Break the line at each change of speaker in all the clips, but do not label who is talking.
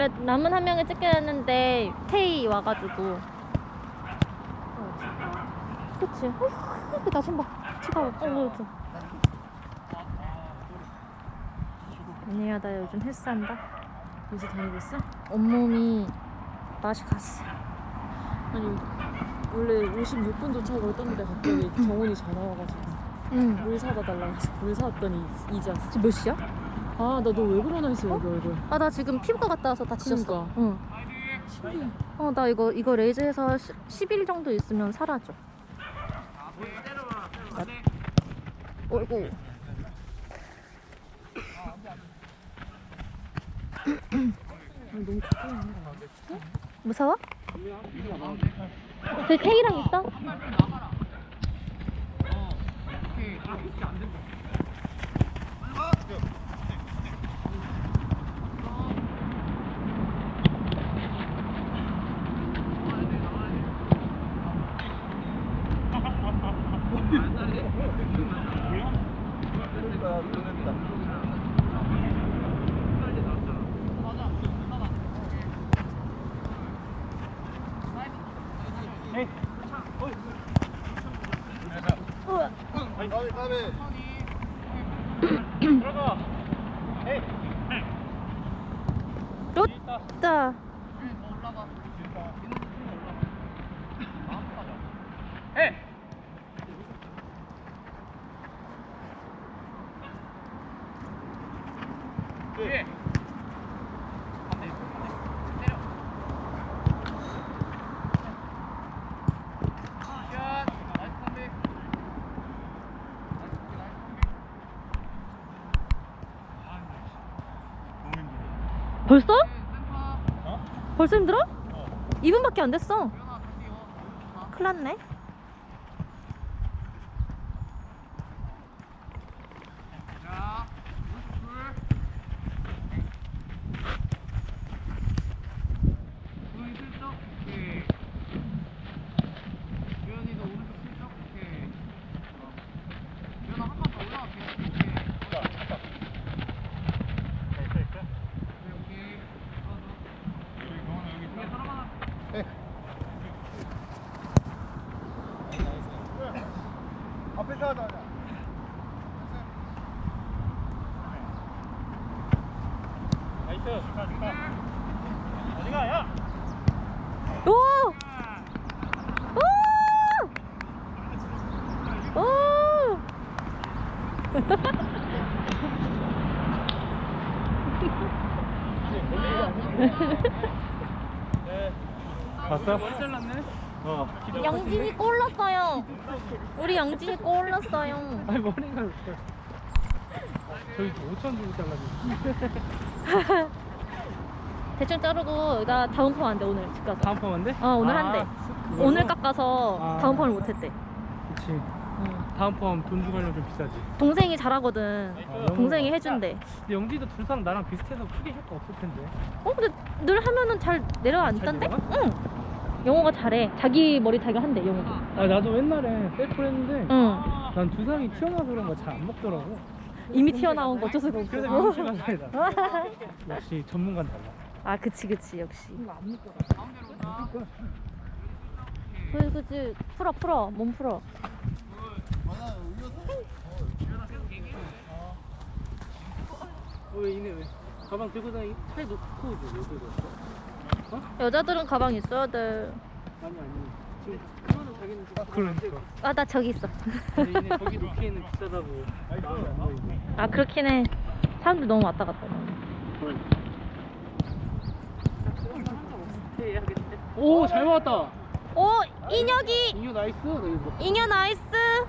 근데 남은 한 명을 찍게 했는데 K 와가지고. 그치. 나 손 봐. 치가. 이렇게. 아니야, 나 요즘 헬스한다.
요새 다니고 있어?
온몸이 맛이 갔어.
아니 원래 56분 도착을 했던데 갑자기 정훈이 전화 와가지고
응.
물 사다 달라고 해서 물 사왔더니 이제 왔어.
지금 몇 시야?
아 나 너 왜 그러나 했어 여기 얼굴.
아, 나 지금 피부과 갔다 와서 다 지졌어.
그러니까.
응.
신기해.
나 이거 레이저해서 10일 정도 있으면 사라져. 어이구.
너무 가까이 있는 거 같아.
무서워? 저기 K랑 있어? 롯다. 벌써? 벌써 힘들어? 2분밖에 안 됐어. 큰일 났네.
앞에서 하자. 나이스. 어디가 야?
오! 오! 오!
봤어?
영진이 골 넣었어요. 우리 영진이 골 넣었어요.
아니 머리가 저희 5천 주고 잘라줘.
대충 자르고 나 다음 판 안 돼. 오늘 집 가서.
다음 펌인데?
오늘 한대. 오늘 깎아서 다음 판을 못 했대.
그치.
응.
다음 펌 돈 주고 하려면 좀 비싸지.
동생이 잘하거든. 동생이 해준대.
근데 영지도 둘상 나랑 비슷해서 크게 효과 없을 텐데.
근데 늘 하면은 잘 내려앉던데?
잘
응. 영호가 잘해. 자기 머리 자기가 한대, 영호도.
아 나도 옛날에 셀프를 했는데
응.
난 두상이 튀어나와서 그런 거 잘 안 먹더라고.
이미 튀어나온 거 어쩔 수가 없어.
그래서 명치가 다르다. 역시 전문가는 달라.
아, 그치, 역시.
안 먹더라.
그치. 풀어. 몸 풀어.
왜 이네 왜? 가방 들고 다니 차에 놓고 이제 왜 들고 왔어?
여자들은 가방 있어야 돼.
아니 지금 그거는 자기는 지금 그러니까.
아, 나 저기 있어.
근데 이네 거기 놓기에는 비싸다고 마음에 안 보이고.
아, 그렇긴 해. 사람들 너무 왔다 갔다.
오, 잘 맞았다.
오, 인혁이!
인유 나이스. 나 이거
인여 나이스!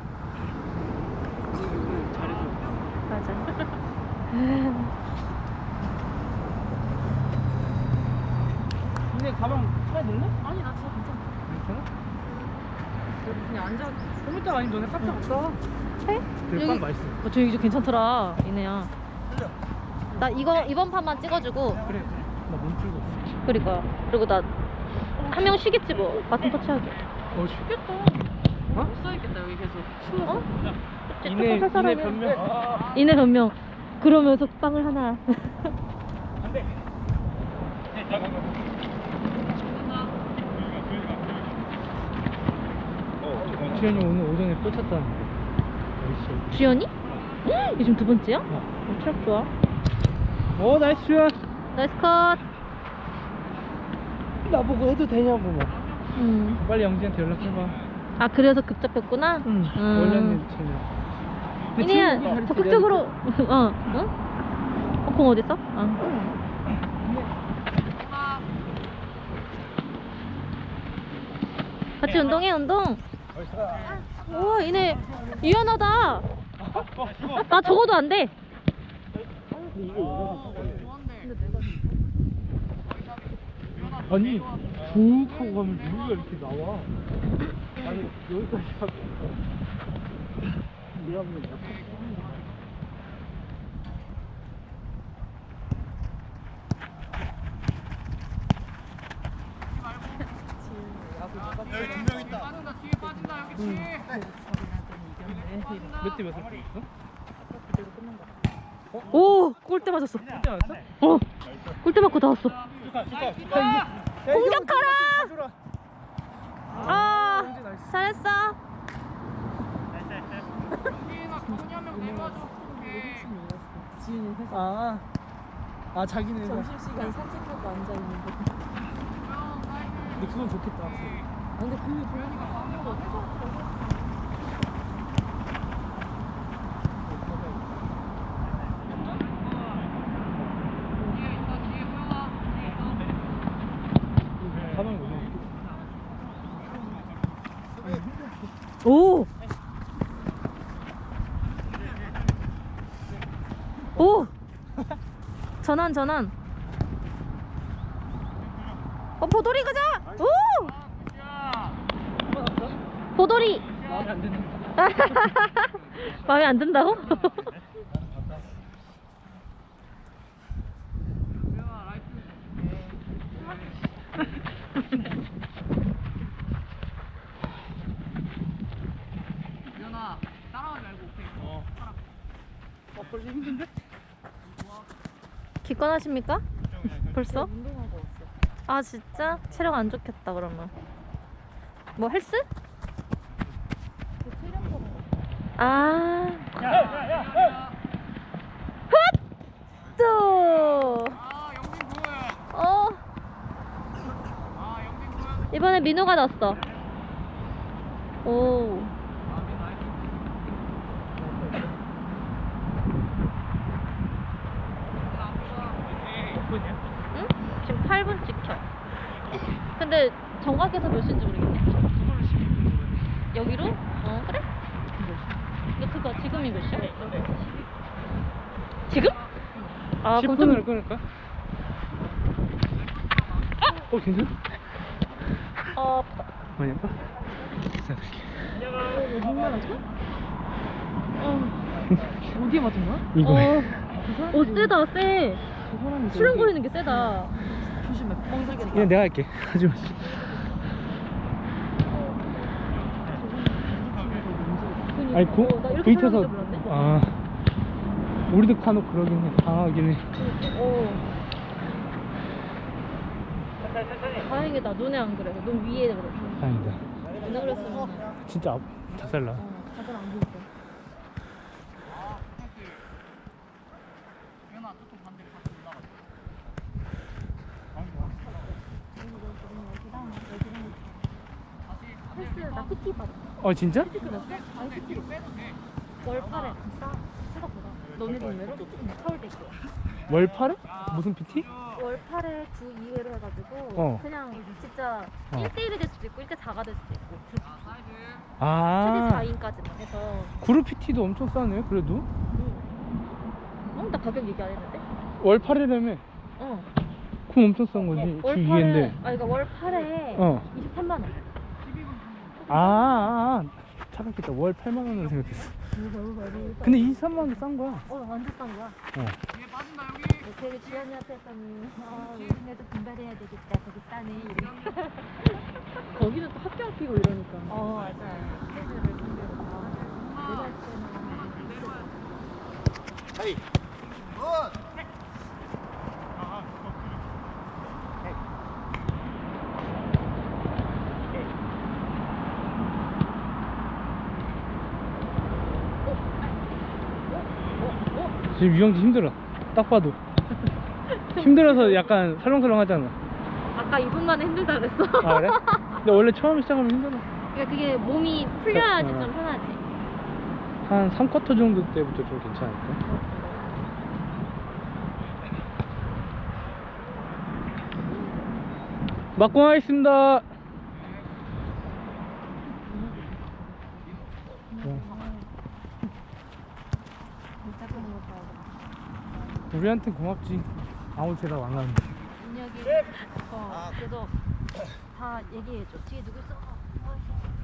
잘해줘.
맞아.
근데 가방 차에 넣을래?
아니 나 진짜 괜찮아.
괜찮아?
그냥 앉아.
좀 이따 아니 너네 깜짝 없다.
해?
대빵 맛있어.
저 이제 괜찮더라, 이네야. 나 이번 판만 찍어주고.
그래. 나 몸 풀고 있어.
그러니까. 그리고 나 한 명 쉬겠지 뭐. 바톤 터치하게.
쉽겠다.
못 써있겠다 여기 계속.
어?
이내
사람이야.
변명.
이내 변명. 그러면서 빵을 하나.
안돼. 주현이 오늘 오전에 꽂혔다는데. 나이스.
주연이? 요즘 두 번째야?
어.
트랙 좋아.
오, 나이스 주현.
나이스 컷.
나보고 해도 되냐고 막. 빨리 영지한테 연락해봐.
아 그래서 급잡혔구나?
원래는 쟤는.
이니야 적극적으로 어? 공 어딨어? 같이 운동해 운동. 우와 이네 유연하다. 나 적어도 안 돼.
아니 쭉 하고 가면 누가 이렇게 나와. 아니 여기까지 하고 미안해. 몇대 몇을 뽑았어?
오 골대 맞았어.
몇대 맞았어?
골대 맞고 나왔어.
축하.
공격하라. 아 잘했어.
지윤이 회사
아 자기는
점심시간 산책하고 앉아있는데.
근데 그건 좋겠다.
아, 근데 그 조연이가 방으로 회사
가방이 뭐냐?
오. 오. 전환. 보돌이 가자. 오. 보돌이.
마음에 안 드는.
마음에 안 든다고?
유연아 따라가지 말고 오케이. 벌써 힘든데?
기권하십니까? 벌써?
운동하고 왔어.
아 진짜? 체력 안 좋겠다 그러면. 뭐 헬스?
그 체력도
아. 헛! 또. 이번에 민호가 넣었어. 오. 응? 지금 8분 찍혀. 근데 정각에서 몇 시인지 모르겠네. 여기로? 그래? 근데 그거 지금이 몇 시야? 지금? 아 그럼
10분을
좀
끊을까? 괜찮아? 많이 아파?
어디에 맞은 거야?
이거에.
세다 세.
그 사람이
출렁거리는 게 세다.
조심해. 뻥사기.
그냥 내가 할게. 하지마. 아니
나 이렇게
부딪혀서
출렁거릴 줄 몰랐네.
우리도 간혹 그러긴 해. 당하긴 해.
다행이다. 눈에 안 그래. 눈 위에 그래.
다행이다.
눈에 그랬으면
진짜 자살나.
다들 안 보일 거야.
헬스 나 PT 받아.
진짜?
아니 PT로 월팔에 생각보다. 너네 동네로? 서울대 있고.
월팔에? 무슨 PT?
월팔에 주 2회로 해가지고 그냥 진짜 1대1이 될 수도 있고 1대4가 될 수도 있고 그룹 PT. 최대 4인까지만 해서.
그룹 PT도 엄청 싸네 그래도.
나 가격 얘기 안 했는데?
월팔이라며. 그럼 엄청 싼 거지. 주 2회인데.
그러니까 월팔에 23만 원.
착각했다. 월 8만 원으로 생각했어. 근데 23만 원 싼 거야.
완전 싼 거야. 되게 주연이한테 했더니 우리네도 분발해야 되겠다. 되게 싸네.
거기는 또 학교 앞이고 이러니까.
맞아요. 애들을 상대로 다.
헤이. 지금 유영지 힘들어. 딱 봐도. 힘들어서 약간 설렁설렁 하잖아.
아까 2분 만에 힘들다 그랬어.
아, 그래? 근데 원래 처음 시작하면 힘들어.
그러니까 그게 몸이 풀려야지
어.
좀 편하지.
한 3쿼터 정도 때부터 좀 괜찮을까? 막공 하겠습니다. 우리한테 고맙지. 아무 데나 안 가는데.
민혁이 그래서 다 얘기해줘. 뒤에 누구 있어?